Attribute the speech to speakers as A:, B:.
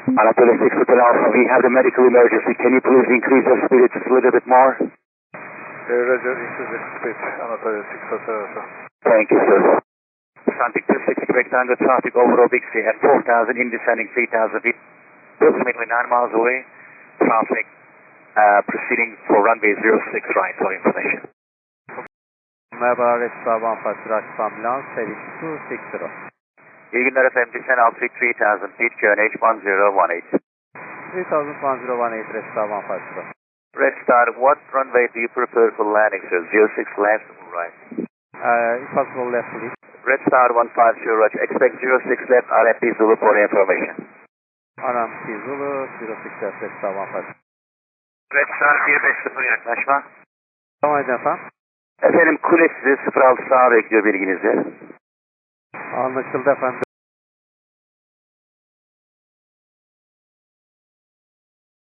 A: Anatolia 6 Hotel Alpha, we have the medical emergency. Can you please increase your speed just a little bit more?
B: Roger, increase the speed. Anatolia 6 Hotel Alpha.
A: Thank you, sir. Atlantic 26 rectangle traffic over Obixi at 4,000 in descending 3,000 feet. Approximately 9 miles away. Traffic proceeding for runway 06 right for information.
C: Merhaba, Red Star 15 Rush Ambulance, heading 260.
A: İyi günler efendim. Descend altitude 3,000 feet, QNH 1018.
C: 301018, Red Star 15.
A: Red Star, what runway do you prefer for landing, sir? 06 left or right?
C: If possible, left please.
A: Red Star 150, Roger. Expect 06 left, RFP Zulu for information.
C: RMC Zulu, 06 left, Red Star 15.
A: Red Star 150 yaklaşma.
C: Tamam efendim.
A: Efendim kule sizi 06 sağa bekliyor bilginizi.
C: Anlaşıldı efendim.